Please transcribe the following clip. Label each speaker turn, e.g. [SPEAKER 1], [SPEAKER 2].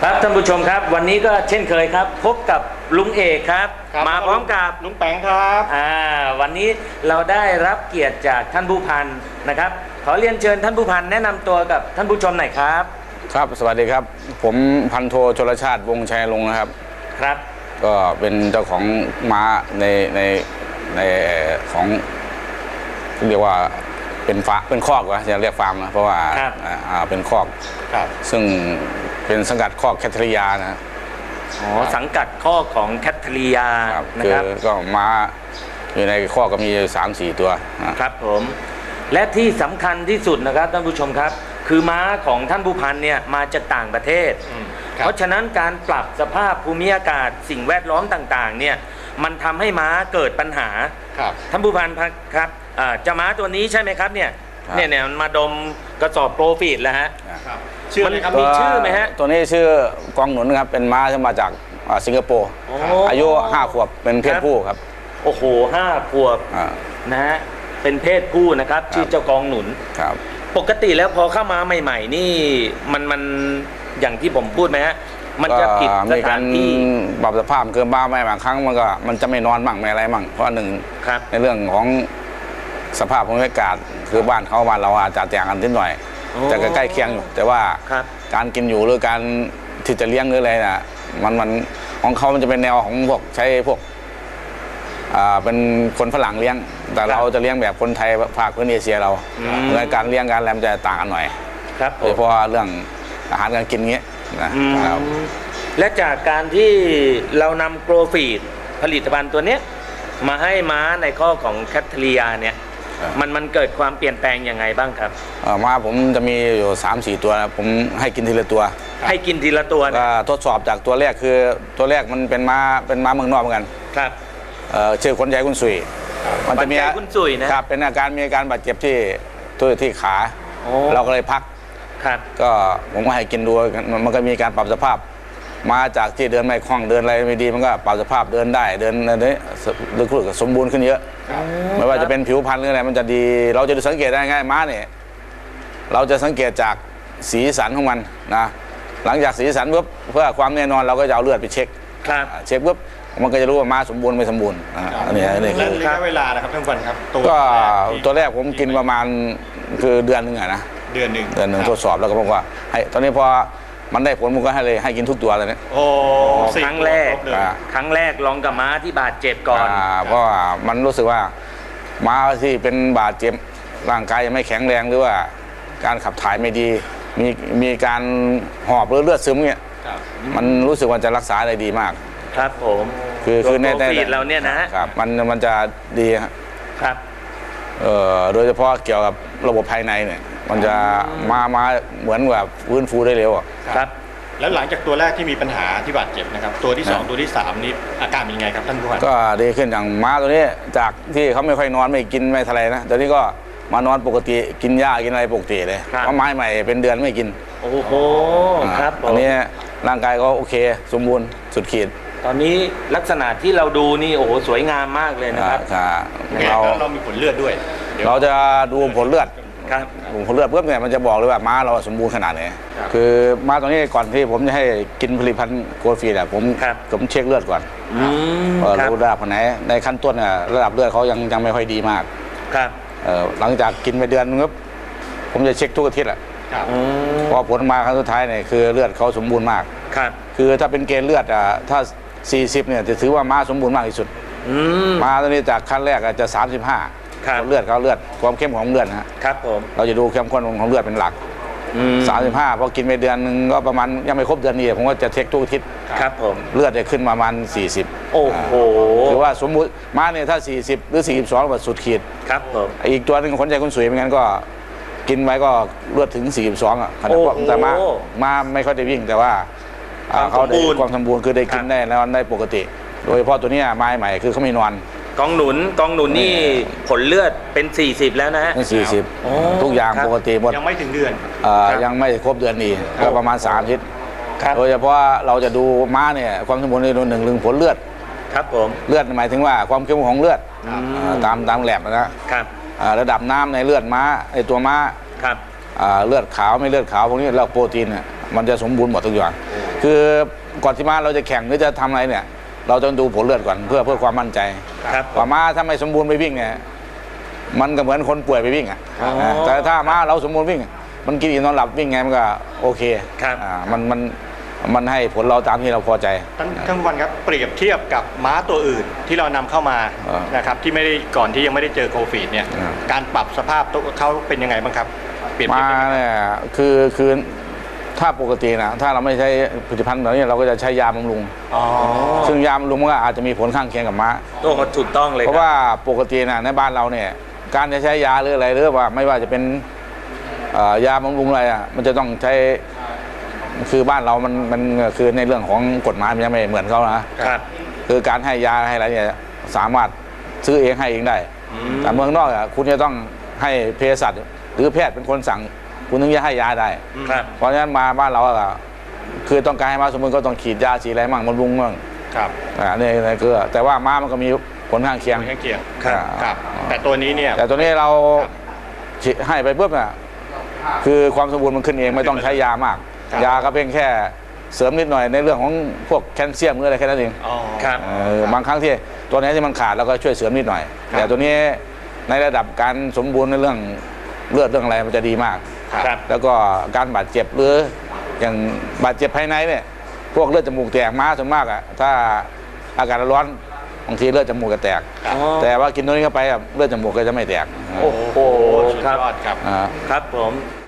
[SPEAKER 1] ครับท่านผู้ชมครับวันนี้ก็เช่นเคยครับพบกับลุงเอกครับมาพร้อมกับ
[SPEAKER 2] ลุงแปงครับ
[SPEAKER 1] วันนี้เราได้รับเกียรติจากท่านผู้พันนะครับขอเรียนเชิญท่านผู้พันแนะนำตัวกับท่านผู้ชมหน่อยครับ
[SPEAKER 3] ครับสวัสดีครับผมพันโทชลชาติวงชัยลงนะครับ
[SPEAKER 1] ครับ
[SPEAKER 3] ก็เป็นเจ้าของม้าในของเรียกว่าเป็นคอกวะจะเรียกฟาร์มนะเพราะว่าเป็นคอกซึ่งเป็นสังกัดคอกแคทริยานะ
[SPEAKER 1] สังกัดข้อของแคทริยา
[SPEAKER 3] นะครับก็ม้าอยู่ในคอกก็มี 3-4 ตัว
[SPEAKER 1] ครับผมและที่สำคัญที่สุดนะครับท่านผู้ชมครับคือม้าของท่านผู้พันเนี่ยมาจากต่างประเทศเพราะฉะนั้นการปรับสภาพภูมิอากาศสิ่งแวดล้อมต่างๆเนี่ยมันทำให้ม้าเกิดปัญหาท่านผู้พันครับจะม้าตัวนี้ใช่ไหมครับเนี่ยมันมาดมกระสอบโปรฟีดแล้วฮะมันมีชื่อไหมฮะ
[SPEAKER 3] ตัวนี้ชื่อกองหนุนครับเป็นม้าที่มาจากสิงคโปร์อายุ5 ขวบเป็นเพศผู้ครับ
[SPEAKER 1] โอ้โห5 ขวบนะฮะเป็นเพศผู้นะครับชื่อเจ้ากองหนุน
[SPEAKER 3] ครับ
[SPEAKER 1] ปกติแล้วพอเข้ามาใหม่ๆนี่มันอย่างที่ผมพูดไหมฮะมันจะผิดสถานที่
[SPEAKER 3] ปรับสภาพคือบ้าไม่บางครั้งมันจะไม่นอนบ้างไม่อะไรบ้างเพราะหนึ่งในเรื่องของสภาพภูมิอากาศคือบ้านเขาบ้านเราอาจจะแตกกันนิดหน่อยแต่ใกล้เคียงอยู่แต่ว่าการกินอยู่หรือการที่จะเลี้ยงหรืออะไรนะมันของเขามันจะเป็นแนวของพวกใช้พวกเป็นคนฝรั่งเลี้ยงแต่เราจะเลี้ยงแบบคนไทยภาคพื้นเอเชียเราเหมือนการเลี้ยงการแลมจะต่างกันหน่อยโดยเฉพาะเรื่องอาหารการกินเงี้ยนะครับ
[SPEAKER 1] และจากการที่เรานำโกรฟีดผลิตภัณฑ์ตัวนี้มาให้ม้าในข้อของแคทริยาเนี่ยมันเกิดความเปลี่ยนแปลงยังไงบ้างครับ
[SPEAKER 3] ม้าผมจะมีอยู่ 3-4 ตัวผมให้กินทีละตัว
[SPEAKER 1] ให้กินทีละตัว
[SPEAKER 3] ทดสอบจากตัวแรกคือตัวแรกมันเป็นม้าเมืองนอกเหมือนกัน
[SPEAKER 1] ครับ
[SPEAKER 3] ชื่อขนใหญ่คุณสุย
[SPEAKER 1] มันจะมีคุณสุยนะครับ
[SPEAKER 3] เป็นอาการบาดเจ็บที่ขาเราก็เลยพักก็ผมก็ให้กินดูมันก็มีการปรับสภาพมาจากที่เดินไม่คล่องเดินอะไรไม่ดีมันก็ปรับสภาพเดินได้เดินอะไรลึกๆสมบูรณ์ขึ้นเยอะไม่ว่าจะเป็นผิวพรรณหรืออะไรมันจะดีเราจะสังเกตได้ง่ายม้าเนี่ยเราจะสังเกตจากสีสันของมันนะหลังจากสีสันปุ๊บเพื่อความแน่นอนเราก็จะเอาเลือดไปเช็คปุ๊บมันก็จะรู้ว่าม้าสมบูรณ์ไม่สมบูรณ์อันนี้
[SPEAKER 2] คือระยะเวลานะครับท่านผู้ชมครับ
[SPEAKER 3] ก็ตัวแรกผมกินประมาณคือเดือนหนึ่งนะ
[SPEAKER 2] เดือนหนึ่ง
[SPEAKER 3] ทดสอบแล้วก็บอกว่าให้ตอนนี้พอมันได้ผลมันก็ให้กินทุกตัวเลยเนี่ย
[SPEAKER 1] ครั้งแรกลองกับม้าที่บาดเจ็บก่อน
[SPEAKER 3] เพราะว่ามันรู้สึกว่าม้าที่เป็นบาดเจ็บร่างกายยังไม่แข็งแรงหรือว่าการขับถ่ายไม่ดีมีการหอบหรือเลือดซึมเนี่ยมันรู้สึกว่าจะรักษาได้ดีมาก
[SPEAKER 1] ครับผม
[SPEAKER 3] คือใน
[SPEAKER 1] ฟีดเราเนี่ยนะครับ
[SPEAKER 3] มันจะดี
[SPEAKER 1] ครับ
[SPEAKER 3] โดยเฉพาะเกี่ยวกับระบบภายในเนี่ยมันจะมาเหมือนแบบฟื้นฟูได้เร็ว
[SPEAKER 1] ครับ
[SPEAKER 2] แล้วหลังจากตัวแรกที่มีปัญหาที่บาดเจ็บนะครับตัวที่2ตัวที่3นี้อาการเป็นยังไงครับท่านผู้พัน
[SPEAKER 3] ก็ดีขึ้นอย่างม้าตัวนี้จากที่เขาไม่ค่อยนอนไม่กินไม่ทะเลนะตอนนี้ก็มานอนปกติกินหญ้ากินอะไรปกติเลยเพราะไม้ใหม่เป็นเดือนไม่กิน
[SPEAKER 1] โอ้โหครับ
[SPEAKER 3] อันนี้ร่างกายก็โอเคสมบูรณ์สุดขีด
[SPEAKER 1] ตอนนี้ลักษณะที่เราดูนี่โอ้โหสวยงามมากเลยนะครับ
[SPEAKER 2] เรามีผลเลือดด้วย
[SPEAKER 3] เราจะดูผลเลือดผลเลือดเพื่อเนี่ยมันจะบอกเลยว่าม้าเราสมบูรณ์ขนาดไหนคือม้าตอนนี้ก่อนที่ผมจะให้กินผลิตภัณฑ์โกลฟีดผมเช็คเลือดก่อนรู้ระดับไหนในขั้นต้นระดับเลือดเขายังไม่ค่อยดีมากหลังจากกินไปเดือนนึงผมจะเช็คทุกอาทิตย์แหละพอผลมาครั้งสุดท้ายเนี่ยคือเลือดเขาสมบูรณ์มากคือถ้าเป็นเกณฑ์เลือดถ้า40เนี่ยจะถือว่าม้าสมบูรณ์มากที่สุดม้าตัวนี้จากขั้นแรกจะ35เลือดเขาเลือดความเข้มของเลือด
[SPEAKER 1] นะครับผม
[SPEAKER 3] เราจะดูเข้มข้นของเลือดเป็นหลัก35พอกินไปเดือนนึงก็ประมาณยังไม่ครบเดือนนี้ผมก็จะเช็คทุกอาทิตย์
[SPEAKER 1] ครับผม
[SPEAKER 3] เลือดจะขึ้นประมาณ40
[SPEAKER 1] โอ้โห
[SPEAKER 3] ถือว่าสมมุติม้าเนี่ยถ้า40หรือ42แบบสุดขีด
[SPEAKER 1] ครับผม
[SPEAKER 3] อีกตัวนึงคนใจคนสวยเหมือนกันก็กินไว้ก็เลือดถึง42ขนาดแต่ม้าไม่ค่อยได้วิ่งแต่ว่าเขาได้ความสมบูรณ์คือได้กินได้แล้วได้ปกติโดยเฉพาะตัวนี้ไม้ใหม่คือเขาไม่นอน
[SPEAKER 1] กองหนุนนี่ผลเลือดเป็น40แล้วนะฮะ
[SPEAKER 3] 40ทุกอย่างปกติหมด
[SPEAKER 2] ยังไม่ถึงเดือน
[SPEAKER 3] ยังไม่ครบเดือนนี้ก็ประมาณ3 อาทิตย์โดยเฉพาะเราจะดูม้าเนี่ยความสมบูรณ์ในหนึ่งผลเลือด
[SPEAKER 1] ครับผม
[SPEAKER 3] เลือดหมายถึงว่าความเข้มข้นของเลือดตามแลบนะครับระดับน้ำในเลือดม้าในตัวม้าเลือดขาวไม่เลือดขาวพวกนี้เราโปรตีนเนี่ยมันจะสมบูรณ์หมดทุกอย่างคือก่อนที่ม้าเราจะแข่งหรือจะทำอะไรเนี่ย เราต้องดูผลเลือดก่อนเพื่อความมั่นใจ
[SPEAKER 1] ครับ
[SPEAKER 3] ว่าม้าถ้าไม่สมบูรณ์ไปวิ่งเนี่ยมันก็เหมือนคนป่วยไปวิ่งอ่ะ
[SPEAKER 1] อ๋อ
[SPEAKER 3] แต่ถ้าม้าเราสมบูรณ์วิ่ง มันกินอิ่มนอนหลับวิ่งไงมันก็โอเค
[SPEAKER 1] ครับ
[SPEAKER 3] มันให้ผลเราตามที่เราพอใจ
[SPEAKER 2] ท่านผู้พันครับเปรียบเทียบกับม้าตัวอื่นที่เรานำเข้ามา
[SPEAKER 3] อ่าน
[SPEAKER 2] นะครับที่ไม่ได้ก่อนที่ยังไม่ได้เจอโควิดเนี่ย
[SPEAKER 3] อ่า
[SPEAKER 2] การปรับสภาพตัวเขาเป็นยังไงบ้างครับเปรียบเทียบ
[SPEAKER 3] ม้า
[SPEAKER 2] ยังไง
[SPEAKER 3] เนี่ยคือถ้าปกตินะถ้าเราไม่ใช้ผลิตภัณฑ์แบบนี้เราก็จะใช้ยาบำรุง
[SPEAKER 2] อ๋อ
[SPEAKER 3] ซึ่งยาบำรุงมันก็อาจจะมีผลข้างเคียงกับม้า
[SPEAKER 1] โอ้ถูกต้องเลย
[SPEAKER 3] เพราะว่าปกตินะในบ้านเราเนี่ยการจะใช้ยาหรืออะไรหรือว่าไม่ว่าจะเป็นยาบำรุงอะไรอ่ะมันจะต้องใช้คือบ้านเรามันคือในเรื่องของกฎหมายมันยังไม่เหมือนเขานะครับ คือการให้ยาให้อะไรเนี่ยสามารถซื้อเองให้เองได้ แต่เมืองนอกอ่ะคุณจะต้องให้เภสัชหรือแพทย์เป็นคนสั่งคุณถึงจะให้ยาได้
[SPEAKER 1] ครับ
[SPEAKER 3] เพราะฉะนั้นมาบ้านเราอ่ะคือต้องการให้ม้าสมบูรณ์ก็ต้องฉีดยาฉีดอะไรมั่งบำรุงมั่ง
[SPEAKER 2] ครับ
[SPEAKER 3] นี่คือแต่ว่าม้ามันก็มีผลข้างเคียง
[SPEAKER 2] ข้างเคียง
[SPEAKER 1] ครับ
[SPEAKER 2] ครับ แต่ตัวนี้เนี่ย
[SPEAKER 3] แต่ตัวนี้เราให้ไปปุ๊บน่ะคือความสมบูรณ์มันขึ้นเองไม่ต้องใช้ยามาก
[SPEAKER 2] ครับ
[SPEAKER 3] ยาก็เพียงแค่เสริมนิดหน่อยในเรื่องของพวกแคลเซียมหรืออะไรแค่นั้นเอง
[SPEAKER 2] อ๋อ
[SPEAKER 1] ครับ
[SPEAKER 3] บางครั้งที่ตัวไหนที่มันขาดเราก็ช่วยเสริมนิดหน่อย
[SPEAKER 2] ครับ
[SPEAKER 3] แต่ตัวนี้ในระดับการสมบูรณ์ในเรื่องเลือดเรื่องอะไรมันจะดีมาก
[SPEAKER 1] ครับ
[SPEAKER 3] แล้วก็การบาดเจ็บหรืออย่างบาดเจ็บภายในเนี่ยพวกเลือดจมูกแตกม้าส่วนมากอ่ะถ้าอากาศร้อนบางทีเลือดจมูกก็แตก
[SPEAKER 2] ครับ
[SPEAKER 3] แต่ว่ากินตัวนี้เข้าไปอะเลือดจมูกก็จะไม่แตก
[SPEAKER 1] โอ้โห
[SPEAKER 2] สุด
[SPEAKER 1] ครับ
[SPEAKER 2] ยอดครับ
[SPEAKER 3] อ่า
[SPEAKER 1] ครับผม